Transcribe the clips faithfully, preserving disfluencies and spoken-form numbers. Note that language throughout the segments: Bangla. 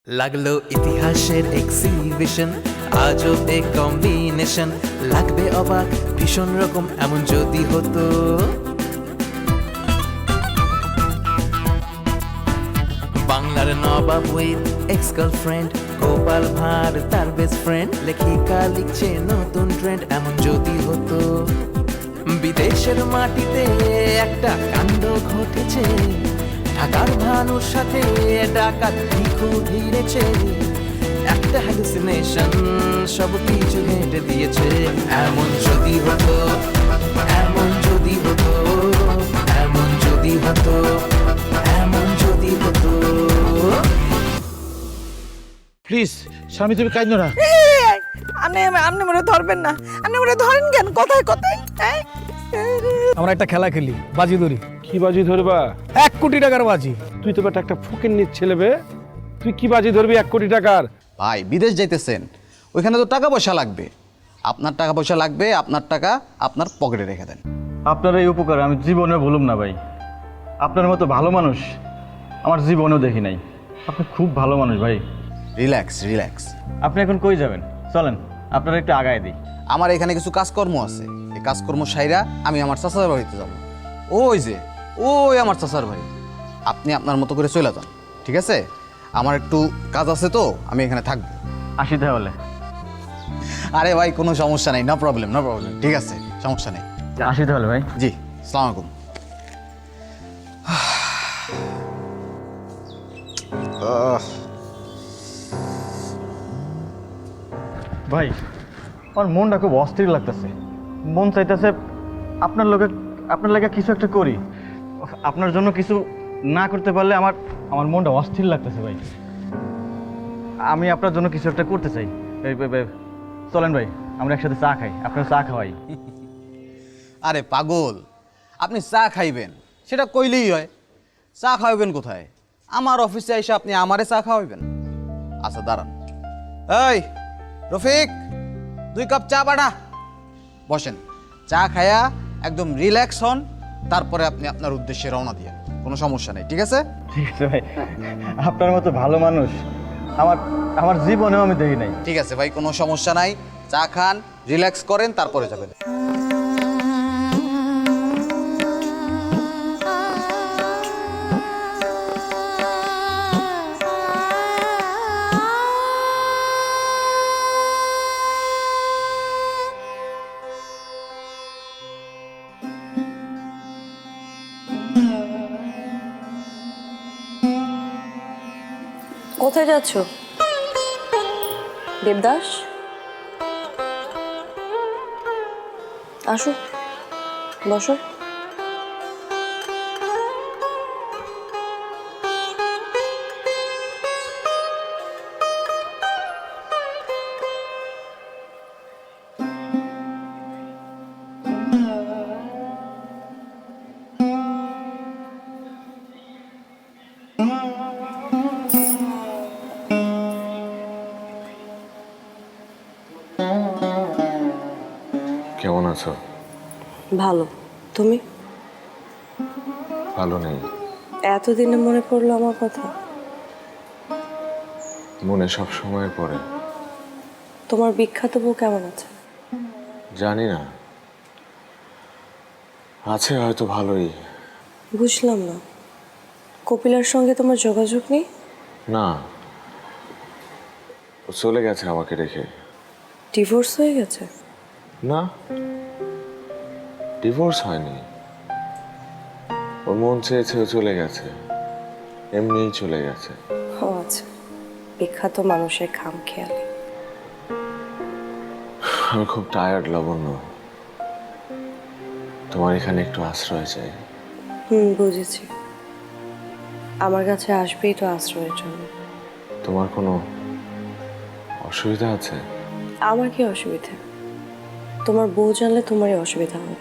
লাগলো ইতিহাসের এক্সিবিশন, আজব এ কম্বিনেশন, লাগবে অবাক ভীষণ রকম এমন যদি হতো। বাংলার নবাব with ex girlfriend, Gopal Bhar তার বেস্ট ফ্রেন্ড, লেখিকা লিখছে নতুন ট্রেন্ড এমন যদি হতো। বিদেশের মাটিতে একটা কাণ্ড ঘটেছে, ঢাকার ভানুর সাথে ডাকাত ভিখু ভিড়েছে, একটা হ্যালুসিনেশন সব কিছু হেঁটে দিয়েছে। এমন যদি হতো, এমন যদি হতো, এমন যদি হতো, এমন যদি হতো। প্লিজ স্বামী তুমি কাইন্দ না। আপনি আপনি মনে ধরবেন না, আপনি মনে ধরেন কেন কথায় কথায়? হ্যাঁ? আমরা একটা খেলা খেলি, বাজি ধরি। কি বাজি ধরবা? এক কোটি টাকার বাজি। তুই তো বেটা একটা ফকির নিচ ছেলে বে, তুই কি বাজি ধরবি এক কোটি টাকার? ভাই বিদেশ যাইতেছেন, ওইখানে তো টাকা পয়সা লাগবে। আপনার টাকা পয়সা লাগবে, আপনার টাকা আপনার পকেটে রেখে দেন। আপনার এই উপকার আমি জীবনে ভুলুম না ভাই। আপনার মতো ভালো মানুষ আমার জীবনেও দেখি নাই। আপনি খুব ভালো মানুষ ভাই। Relax relax. আপনি এখন কই যাবেন? চলেন আপনারা একটু আগায় দিই। আমার এখানে কিছু কাজকর্ম আছে, এই কাজকর্ম সাইরা আমি আমার চাচার বাড়িতে যাব। ওই যে ওই আমার চাচার বাড়ি, আপনি আপনার মতো করে চলে যান, ঠিক আছে? আমার একটু কাজ আছে তো, আমি এখানে থাকবো। আসি তাহলে। আরে ভাই কোনো সমস্যা নেই, নো প্রবলেম নো প্রবলেম, ঠিক আছে, সমস্যা নেই। আসি তাহলে ভাই। জি, আসসালামু আলাইকুম। আহ ভাই আমার মনটা খুব অস্থির লাগতেছে। মন চাইতেছে আপনার লোকে আপনার লাগে কিছু একটা করি। আপনার জন্য কিছু না করতে পারলে আমার আমার মনটা অস্থির লাগতেছে ভাই। আমি আপনার জন্য কিছু একটা করতে চাই। এই, এই, এই, চলেন ভাই আমরা একসাথে চা খাই, আপনার চা খাওয়াই। আরে পাগল, আপনি চা খাইবেন সেটা কইলেই হয়। চা খাওয়াবেন কোথায়? আমার অফিসে এসে আপনি আমারে চা খাওয়াবেন? আচ্ছা দাঁড়ান। এই রফিক, দুই কাপ চা পাঠা। বসেন, চা খায়া একদম রিল্যাক্স হন, তারপরে আপনি আপনার উদ্দেশ্যে রওনা দিয়ে। কোনো সমস্যা নেই, ঠিক আছে? ঠিক আছে ভাই, আপনার মতো ভালো মানুষ আমার আমার জীবনেও আমি দেখি নাই। ঠিক আছে ভাই, কোনো সমস্যা নাই। চা খান, রিল্যাক্স করেন, তারপরে যাবেন। কোথায় যাচ্ছ দেবদাস? আসো, বসো। কেমন আছো? ভালো, তুমি? ভালো নেই। এতদিনে মনে পড়লো আমার কথা? মনে সব সময় পড়ে। তোমার বিখ্যাত বউ কেমন আছে? জানি না, আছে হয়তো ভালোই। বুঝলাম না, কপিলার সঙ্গে তোমার যোগাযোগ নেই? না, ও চলে গেছে আমাকে রেখে। ডিভোর্স হয়ে গেছে? না, ডিভোর্স হয়নি। ওর মন চেয়েছে ও চলে গেছে, এমনিই চলে গেছে। ও আচ্ছা, বিখ্যাত মানুষের খাম খেয়ালি। আমি খুব টায়ার্ড লাবণ্য, তোমার এখানে একটু আশ্রয় চাই। হুম, বুঝেছি। আমার কাছে আসবেই তো আশ্রয়ের জন্য। তোমার কোনো অসুবিধা আছে? আমার কি অসুবিধা? তোমার বউ জানলে তোমারই অসুবিধা হবে।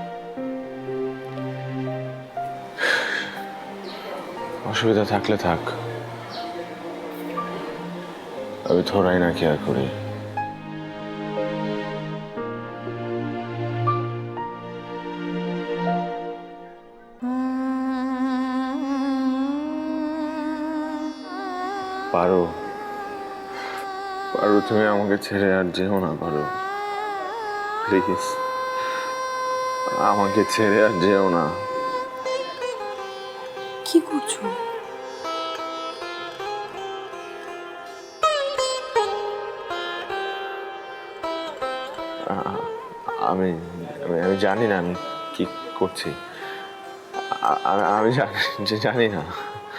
অসুবিধা থাকলে থাক, আমি থোড়াই না কেয়ার করি। পারো পারো তুমি আমাকে ছেড়ে আর যেও না পারো, প্লিজ আমাকে ছেড়ে আর যেও না। কি করছো? আ- আমি আমি আমি জানি না আমি কি করছি। আ- আ- আমি জানি যে জানি না।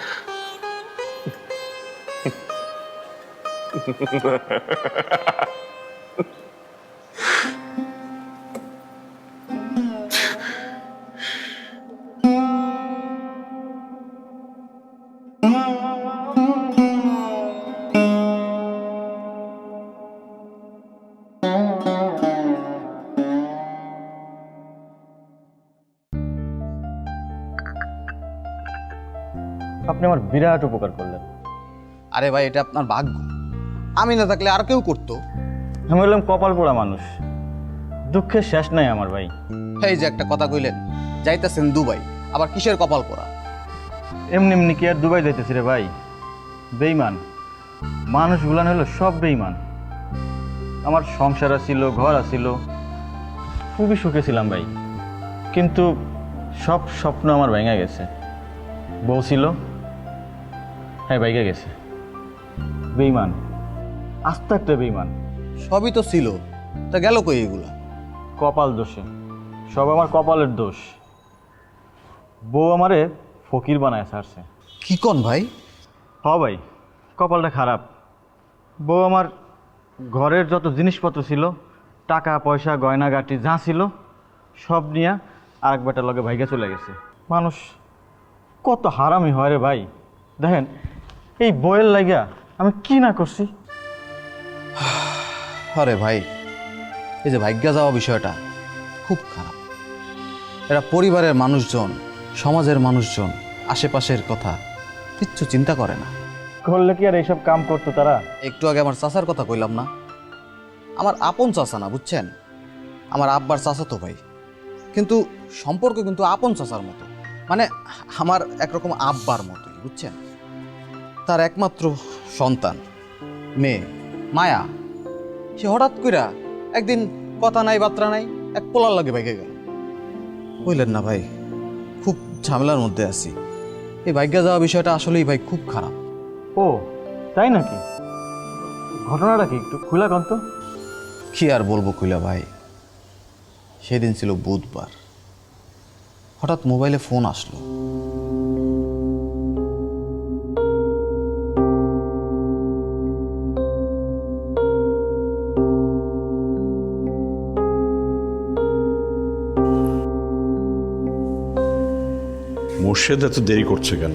আপনি আমার বিরাট উপকার করলেন। আরে ভাই, এটা আপনার ভাগ্য, আমি না থাকলে আর কেউ করতো। আমি বললাম কপাল পোড়া মানুষ, দুঃখের শেষ নাই আমার ভাই। এই যে একটা কথা কইলেন, যাইতেছেন দুবাই, আবার কিসের কপাল করা? এমনি এমনি কি আর দুবাই যাইতেছি রে ভাই? বেইমান মানুষগুলান হলো সব বেইমান। আমার সংসার ছিল, ঘর আছিল, খুবই সুখে ছিলাম ভাই, কিন্তু সব স্বপ্ন আমার ভেঙে গেছে। বউ ছিল, হ্যাঁ ভেঙে গেছে। বেইমান, আস্তে একটা বেইমান। সবই তো ছিল, তা গেল কই এগুলা? কপাল দোষে, সব আমার কপালের দোষ। বউ আমারে ফকির বানায় ছাড়ছে। কি কন ভাই? হ ভাই, কপালটা খারাপ। বউ আমার ঘরের যত জিনিসপত্র ছিল, টাকা পয়সা গয়নাগাটি যা ছিল, সব নিয়ে আরেক বেটার লগে ভাইগা চলে গেছে। মানুষ কত হারামি হয় রে ভাই। দেখেন এই বইয়ের লাগিয়া আমি কি না করছি। আরে ভাই, এই যে ভাগ্যা যাওয়া বিষয়টা খুব খারাপ। এরা পরিবারের মানুষজন, সমাজের মানুষজন, আশেপাশের কথা কিচ্ছু চিন্তা করে না। করলে কি আর এইসব কাম করতো তারা? একটু আগে আমার চাচার কথা কইলাম না, আমার আপন চাচা না, বুঝছেন? আমার আব্বার চাচা তো ভাই, কিন্তু সম্পর্ক কিন্তু আপন চাচার মতো, মানে আমার একরকম আব্বার মতোই, বুঝছেন? তার একমাত্র সন্তান মেয়ে মায়া, সে হঠাৎ কইরা একদিন কথা নাই বার্তা নাই এক পোলার লাগে ভাইগে গেল। বুঝলেন না ভাই, খুব ঝামেলার মধ্যে আছি। এই ভাগ্যা যাওয়া বিষয়টা আসলেই ভাই খুব খারাপ। ও তাই নাকি? ঘটনাটা কি একটু খুলা কন্ত? কি আর বলবো কইলা ভাই, সেদিন ছিল বুধবার, হঠাৎ মোবাইলে ফোন আসলো। মোর্শেদ এত দেরি করছে কেন?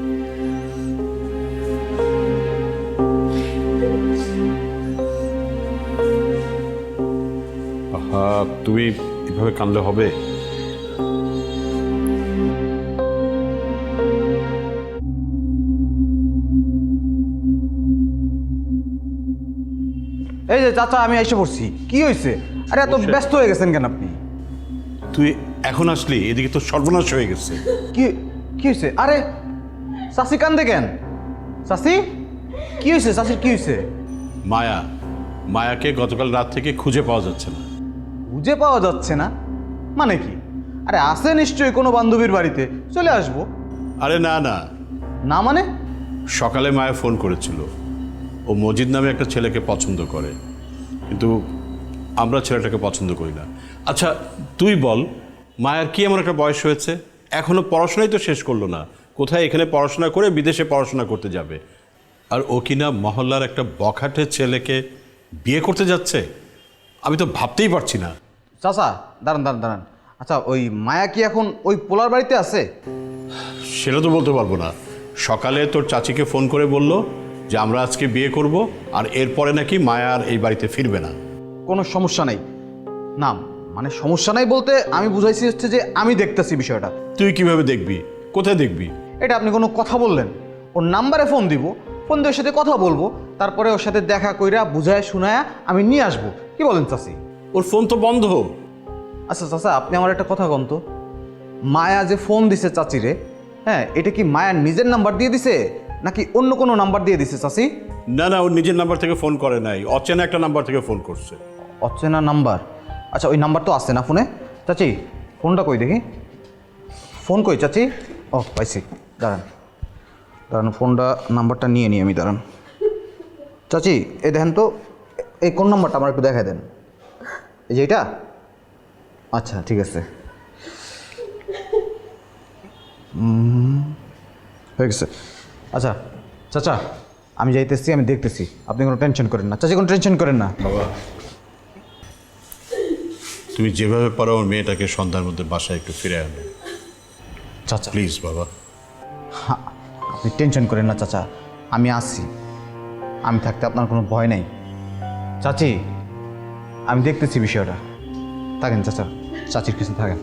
আহা, তুমি এভাবে কানলে হবে? এই যে চাচা, আমি এসে পড়ছি। কি হয়েছে? আরে এত ব্যস্ত হয়ে গেছেন কেন আপনি? তুই এখন আসলি, এদিকে তো সর্বনাশ হয়ে গেছে। কি কি হয়েছে? আরে চাচি কান্দে কেন? চাচি কি হয়েছে? চাচির কি হয়েছে? মায়া মায়াকে গতকাল রাত থেকে খুঁজে পাওয়া যাচ্ছে না। খুঁজে পাওয়া যাচ্ছে না মানে কি? আরে আছে নিশ্চয়ই কোনো বান্ধবীর বাড়িতে, চলে আসবো। আরে না না, না মানে? সকালে মায়া ফোন করেছিল, ও মজিদ নামে একটা ছেলেকে পছন্দ করে, কিন্তু আমরা ছেলেটাকে পছন্দ করি না। আচ্ছা তুই বল, মায়ার কি এমন একটা বয়স হয়েছে? এখনো পড়াশোনাই তো শেষ করলো না, কোথায় এখানে পড়াশোনা করে বিদেশে পড়াশোনা করতে যাবে? আর ও কিনা মহল্লার একটা বখাটে ছেলেকে বিয়ে করতে যাচ্ছে? আমি তো ভাবতেই পারছি না। চাচা দাঁড়ান দাঁড়ান দাঁড়ান, আচ্ছা ওই মায়া কি এখন ওই পোলার বাড়িতে আছে? সেটা তো বলতে পারবো না। সকালে তোর চাচিকে ফোন করে বলল যে আমরা আজকে বিয়ে করব, আর এরপরে নাকি মায়া আর এই বাড়িতে ফিরবে না। কোনো সমস্যা নেই না, মানে সমস্যা নাই বলতে আমি বুঝাইছি হচ্ছে যে আমি দেখতেছি বিষয়টা। তুই কিভাবে দেখবি? কোথায় দেখবি? এটা আপনি কোনো কথা বললেন? ওর নাম্বারে ফোন দিব, ফোন দিয়ে ওর সাথে কথা বলবো, তারপরে ওর সাথে দেখা কইরা বুঝায় শুনায়া আমি নিয়ে আসবো। কি বলেন চাচি? ওর ফোন তো বন্ধ। আচ্ছা চাচা, আপনি আমার একটা কথা বলতো, মায়া যে ফোন দিছে চাচিরে, হ্যাঁ এটা কি মায়ার নিজের নাম্বার দিয়ে দিছে নাকি অন্য কোনো নাম্বার দিয়ে দিছে চাচি? না না, ওর নিজের নাম্বার থেকে ফোন করে নাই, অচেনা একটা নাম্বার থেকে ফোন করছে। অচেনা নাম্বার? আচ্ছা ওই নাম্বার তো আসছে না ফোনে। চাচি ফোনটা কই দেখি, ফোন কই চাচি? ও পাইছি, দাঁড়ান দাঁড়ান, ফোনটা নাম্বারটা নিয়ে নিই আমি, দাঁড়ান। চাচি এই দেখেন তো, এই কোন নাম্বারটা আমার একটু দেখাই দেন। এই যে এটা? আচ্ছা ঠিক আছে, উম, হয়ে গেছে। আচ্ছা চাচা আমি যাইতেছি, আমি দেখতেছি, আপনি কোনো টেনশন করেন না চাচি, কোনো টেনশন করেন না। বাবা, তুমি যেভাবে পারো আমার মেয়েটাকে সন্ধ্যার মধ্যে বাসায় একটু ফিরে আনো চাচা প্লিজ। বাবা হ্যাঁ, আপনি টেনশন করেন না চাচা, আমি আসছি, আমি থাকতে আপনার কোনো ভয় নেই। চাচি আমি দেখতেছি বিষয়টা, থাকেন চাচা, চাচির কিছু থাকেন।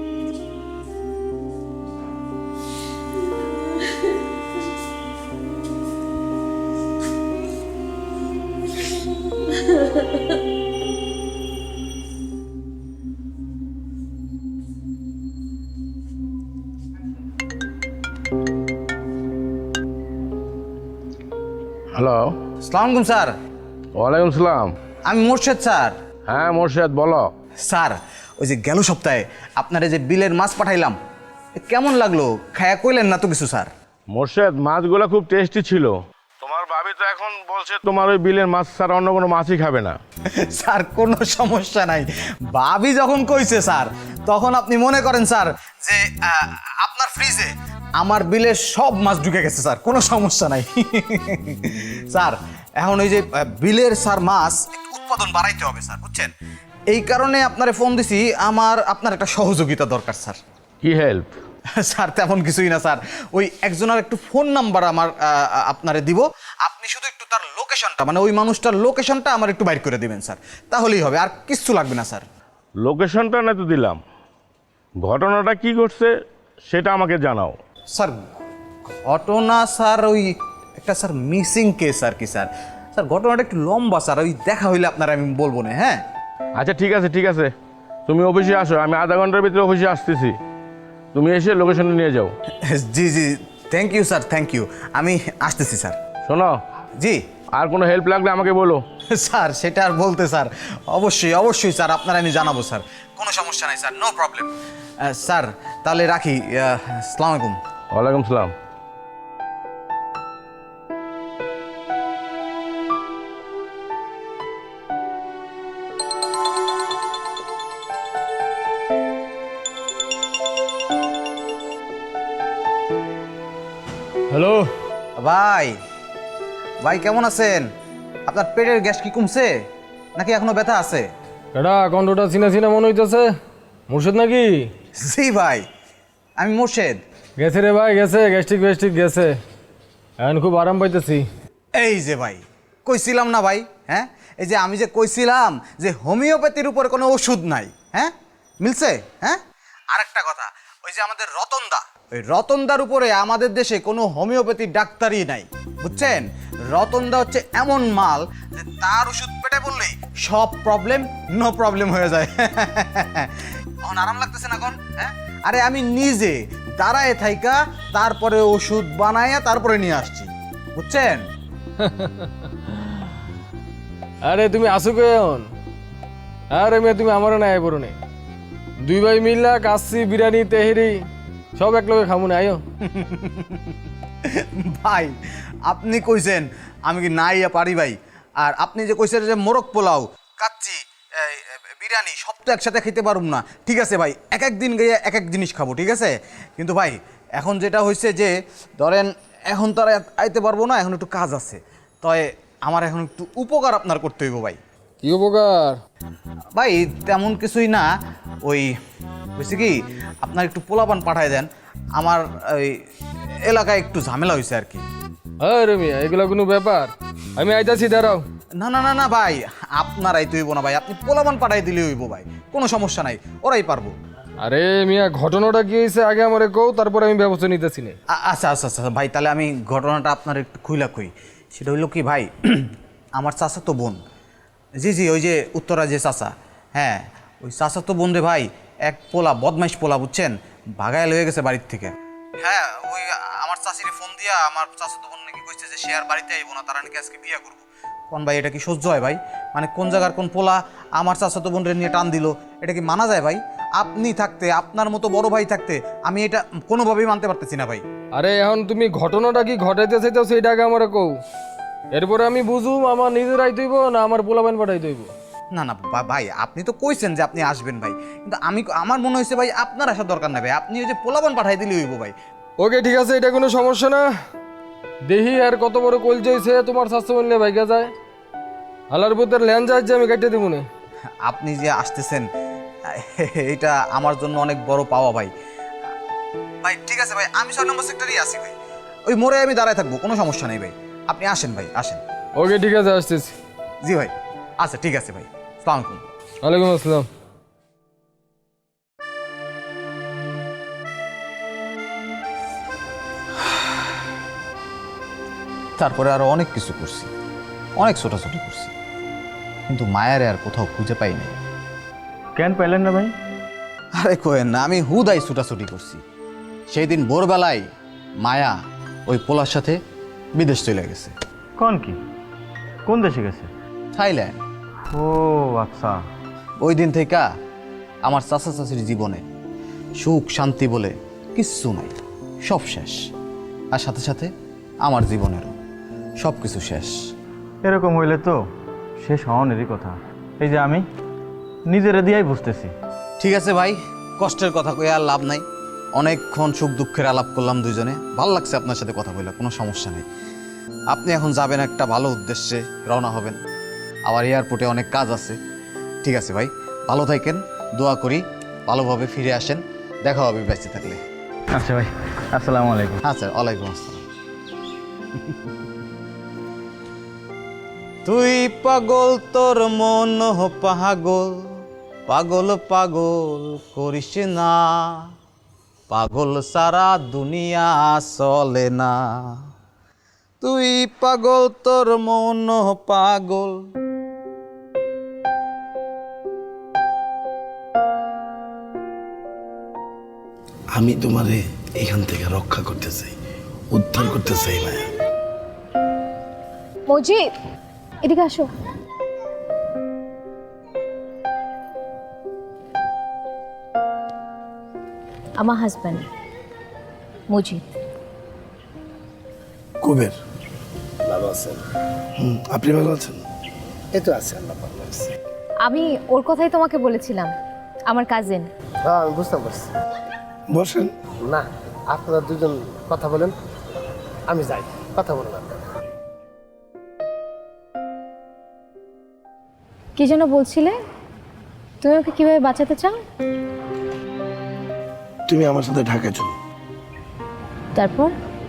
হ্যালো, আসসালামু আলাইকুম স্যার। ওয়ালাইকুম সালাম। আমি মোর্শেদ স্যার। হ্যাঁ মোর্শেদ, বলো। স্যার ওই যে গেল সপ্তাহে আপনার যে বিলের মাছ পাঠাইলাম, কেমন লাগলো? খায়া কইলেন না তো কিছু স্যার? মোর্শেদ, মাছগুলো খুব টেস্টি ছিল। তোমার ভাবি তো এখন বলছে তোমার ওই বিলের মাছ ছাড়া অন্য কোনো মাছই খাবে না। স্যার কোনো সমস্যা নাই, ভাবি যখন কইছে স্যার তখন আপনি মনে করেন স্যার যে আহ, আপনার ফ্রিজে আমার বিলের সব মাছ ঢুকে গেছে স্যার, কোনো সমস্যা নাই। স্যার এখন ওই যে আহ, বিলের স্যার মাছ একটু উৎপাদন বাড়াইতে হবে স্যার, বুঝছেন? এই কারণে আপনারে ফোন দিছি, আমার আপনার একটা সহযোগিতা দরকার স্যার। কি হেল্প? স্যার তেমন কিছুই না স্যার, ওই একজনের একটু ফোন নাম্বার আমার আহ, আপনারে দিব, আপনি শুধু একটু তার লোকেশনটা, মানে ওই মানুষটার লোকেশনটা আমার একটু বাইর করে দিবেন স্যার, তাহলেই হবে, আর কিচ্ছু লাগবে না স্যার। লোকেশনটা না তো দিলাম, ঘটনাটা কি ঘটছে সেটা আমাকে জানাও। স্যার ঘটনা স্যার ওই একটা স্যার মিসিং কেস আর কি স্যার। স্যার ঘটনাটা একটু লম্বা স্যার, ওই দেখা হইলে আপনার আমি বলবো না। হ্যাঁ আচ্ছা ঠিক আছে ঠিক আছে, তুমি অফিসে আসো, আমি আধা ঘন্টার ভিতরে অফিসে আসতেছি, তুমি এসে লোকেশনটা নিয়ে যাও। জি জি, thank you sir, thank you, আমি আসতেছি স্যার। শোনো, জি আর কোনো হেল্প লাগলে আমাকে বলো। স্যার সেটা আর বলতে স্যার, অবশ্যই অবশ্যই স্যার, আপনার আমি জানাবো স্যার, কোনো সমস্যা নাই স্যার, নো প্রবলেম। স্যার তাহলে রাখি, আসসালামু আলাইকুম। ওয়ালাইকুম সালাম। হ্যালো, ভাই ভাই কেমন আছেন? আপনার পেটের গ্যাস কি কমছে নাকি এখনো ব্যথা আছে? এটা কণ্ঠটা চিনা চিনা মনে হইতেছে, মুর্শিদ নাকি? জি ভাই, আমি মোর্শেদ। গেছে রে ভাই, গেছে, গ্যাস্ট্রিক গ্যাস্ট্রিক গেছে, এখন খুব আরাম পাইতেছি। এই যে ভাই কইছিলাম না ভাই, হ্যাঁ এই যে আমি যে কইছিলাম যে হোমিওপ্যাথির উপরে কোনো ওষুধ নাই, হ্যাঁ মিলছে। হ্যাঁ আরেকটা কথা, ওই যে আমাদের রতনদা, ওই রতনদার উপরে আমাদের দেশে কোনো হোমিওপ্যাথি ডাক্তারই নাই, বুঝছেন? রতনদা হচ্ছে এমন মাল যে তার ওষুধ পেটে বললেই সব প্রবলেম নো প্রবলেম হয়ে যায়। এখন আরাম লাগতেছে না কোন? হ্যাঁ আরে আমি নিজে দাঁড়ায় থাইকা তারপরে ওষুধ বানাইয়া তারপরে নিয়ে আসছি, বুঝছেন? আরে তুমি আসো কেন? আরে মেয়ে তুমি আমারও নাই পড়ো নে, দুই ভাই মিল্লা কাচ্ছি বিরিয়ানি তেহেরি সব এক লগে খামু না, আয়ো। ভাই আপনি কইছেন আমি কি নাই পারি ভাই, আর আপনি যে কইছেন যে মোরগ পোলাও কাচ্চি এই, বিরিয়ানি সব তো একসাথে খেতে পারুম না, ঠিক আছে ভাই, এক এক দিন গিয়ে এক এক জিনিস খাবো, ঠিক আছে? কিন্তু ভাই এখন যেটা হয়েছে যে ধরেন এখন তো আর আইতে পারবো না, এখন একটু কাজ আছে, তবে আমার এখন একটু উপকার আপনার করতে হইব ভাই। কি উপকার? ভাই তেমন কিছুই না, ওই বুঝছি কি আপনার একটু পোলাপান পাঠায় দেন, আমার ওই এলাকায় একটু ঝামেলা হয়েছে আর কি। আরে মিয়া এগুলো কোনো ব্যাপার? আমি আইতাছি, দাঁড়াও। না না না না ভাই, আপনার আইতে হইব না ভাই, আপনি পোলাপান পাঠাই দিলে হইব ভাই, কোনো সমস্যা নাই, ওরাই পারবো। আরে মিয়া ঘটনাটা কি হয়েছে আগে আমারে কও, তারপরে আমি ব্যবস্থা নিতেছি না। আ- আচ্ছা আচ্ছা আচ্ছা ভাই, তাহলে আমি ঘটনাটা আপনার একটু খুইলা কই। সেটা হইলো কি ভাই, আমার চাচা তো বোন, জি জি ওই যে উত্তরা যে চাচা, হ্যাঁ ওই চাচা তো বোন রে ভাই, এক পোলা বদমাইশ পোলা, বুঝছেন, ভাগায় লয়ে গেছে বাড়ির থেকে। হ্যাঁ ওই আমার চাচিরে ফোন দিয়া আমার চাচা তো বোন নাকি কইছে যে সে আর বাড়িতে আইবো না, তারা নাকি আজকে বিয়ে করবো। কোন ভাই এটা কি সহ্য হয় ভাই? মানে কোন জায়গার কোন পোলা আমার চাচাতো বোনরে নিয়ে টান দিল, এটা কি মানা যায় ভাই? আপনি থাকতে, আপনার মতো বড় ভাই থাকতে আমি এটা কোনোভাবেই মানতে পারতেছি না ভাই। আরে এখন তুমি ঘটনাটা কি ঘটাইতে চাইতেছো সেইটা আগে আমার কও, এরপরে আমি বুঝুম আমার নিজের আই দইব না আমার পোলাপান পাঠাই দইব। না না বা- ভাই আপনি তো কইছেন যে আপনি আসবেন ভাই, কিন্তু আমি আমার মনে হয়েছে ভাই আপনার আসার দরকার নাই ভাই, আপনি ওই যে পোলাপান পাঠাই দিলে হইব ভাই। ওকে ঠিক আছে, এটা কোনো সমস্যা না। দেখি আর কত বড় কল যাইছে তোমার স্বাস্থ্য বললে ভাইগা যায়, হালার পুতের ল্যান যায় যে আমি কেটে দিব না। আপনি যে আসতেছেন এটা আমার জন্য অনেক বড় পাওয়া ভাই। ভাই ঠিক আছে ভাই, আমি ছয় নম্বর সেক্টরেই আছি ভাই, ওই মোড়ে আমি দাঁড়ায় থাকবো, কোনো সমস্যা নেই ভাই। আপনি আসেন ভাই, আসেন। ওকে ঠিক আছে, আসতেছি। জি ভাই, আচ্ছা ঠিক আছে ভাই, আসসালামু আলাইকুম। ওয়ালাইকুম আসসালাম। তারপরে আরো অনেক কিছু করছি, অনেক ছোটাছুটি করছি, কিন্তু মায়ারে আর কোথাও খুঁজে পাই নাই। কেন পাইলেন না ভাই? আরে কোয়েন না, আমি হুদাই ছুটাছুটি করছি। সেই দিন ভোরবেলায় মায়া ওই পোলার সাথে বিদেশ চলে গেছে। কোন কি? কোন দেশে গেছে? থাইল্যান্ড। ও আচ্ছা। ওই দিন থেকে আমার চাচা চাচির জীবনে সুখ শান্তি বলে কিচ্ছু নাই, সব শেষ। আর সাথে সাথে আমার জীবনেরও সব কিছু শেষ। এরকম হইলে তো শেষ হওয়ানেরই কথা। এই যে আমি নিজেরে দিয়াই বুঝতেছি। ঠিক আছে ভাই, কষ্টের কথা কয়ে আর লাভ নাই। অনেকক্ষণ সুখ দুঃখের আলাপ করলাম দুজনে, ভালো লাগছে আপনার সাথে কথা বললে, কোনো সমস্যা নেই। আপনি এখন যাবেন একটা ভালো উদ্দেশ্যে, রওনা হবেন, আবার এয়ারপোর্টে অনেক কাজ আছে। ঠিক আছে ভাই, ভালো থাকেন, দোয়া করি ভালোভাবে ফিরে আসেন, দেখা হবে বেঁচে থাকলে। আচ্ছা ভাই, আসসালামু আলাইকুম। আচ্ছা, ওয়ালাইকুম আসসালাম। তুই পাগল তোর মন পাগল, পাগল পাগল করিস না, পাগল সারা দুনিয়া চলে না। তুই পাগল তোর মন পাগল। আমি তোমারে এখান থেকে রক্ষা করতে চাই, উদ্ধার করতে চাই মায়া। মজিদ, এদিকে আসো। আমার হাজব্যান্ড মজিদ। কুবের ভালো আছেন? হুম, আপনি ভালো আছেন? এই তো আছে, আল্লাহ ভালো আছে। আমি ওর কথাই তোমাকে বলেছিলাম, আমার কাজিন। হ্যাঁ আমি বুঝতে পারছি। বসেন। না, আপনারা দুজন কথা বলেন, আমি যাই, কথা বলেন আপনারা। কি যেন বলছিলে? তুমি ওকে কিভাবে বাঁচাতে চাও? তুমি আমার সাথে ঢাকায় চলো। তারপর?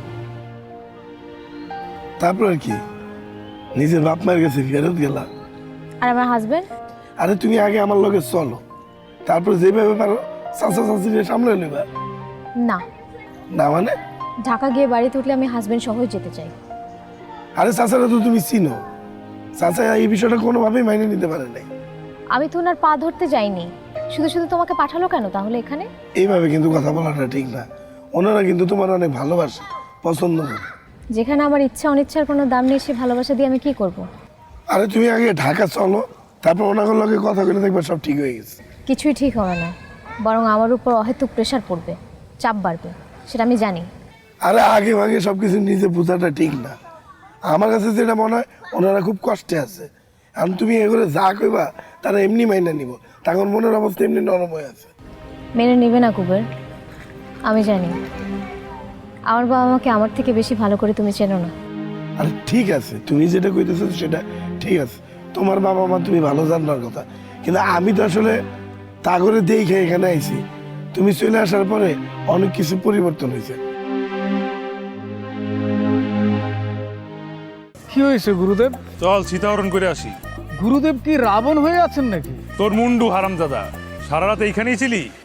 তারপর আর কি, নিজের বাপ মায়ের কাছে ফেরত গেলা। আর আমার হাজবেন্ড? আরে তুমি আগে আমার লগে চলো, তারপর যেভাবে পারো চাচা চাচিরে সামলে নেবা। না। না মানে? ঢাকা গিয়ে বাড়িতে উঠলে আমি হাজবেন্ড সহই যেতে চাই। আরে চাচারা তো তুমি চিনো, চাচা এই বিষয়টা কোনোভাবেই মাইনে নিতে পারে নাই। আমি তো ওনার পা ধরতে যাইনি, শুধু শুধু তোমাকে পাঠালো কেন তাহলে এখানে? এইভাবে কিন্তু কথা বলাটা ঠিক না। ওনারা কিন্তু তোমার অনেক ভালোবাসে, পছন্দ করে। যেখানে আমার ইচ্ছা অনিচ্ছার কোনো দাম নেই, সে ভালোবাসা দিয়ে আমি কি করব? আরে তুমি আগে ঢাকা চলো, তারপর ওনাদের লগে কথা বলে দেখবে সব ঠিক হয়ে গেছে। কিছুই ঠিক হবে না, বরং আমার উপর অহেতুক প্রেশার পড়বে, চাপ বাড়বে, সেটা আমি জানি। আরে আগে ভাগে সব কিছু নিজে বোঝাটা ঠিক না। আমার কাছে যেটা মনে হয় ওনারা খুব কষ্টে আছে, আর তুমি এগুলো যা কইবা তারা এমনি মাইনা নিব, তখন মনের অবস্থা এমনি নরম হয়ে আছে। মেনে নেবে না কুবের, আমি জানি। আমার বাবা মাকে আমার থেকে বেশি ভালো করে তুমি চেনো না। আরে ঠিক আছে, তুমি যেটা কইতেছো সেটা ঠিক আছে, তোমার বাবা মা তুমি ভালো জানার কথা, কিন্তু আমি তো আসলে তা করে দেখে এখানে আইছি। তুমি চলে আসার পরে অনেক কিছু পরিবর্তন হয়েছে। কি হয়েছে গুরুদেব? চল সীতাহরণ করে আসি। গুরুদেব কি রাবণ হয়ে আছেন নাকি? তোর মুন্ডু হারামজাদা, সারা রাত এইখানেই ছিলি?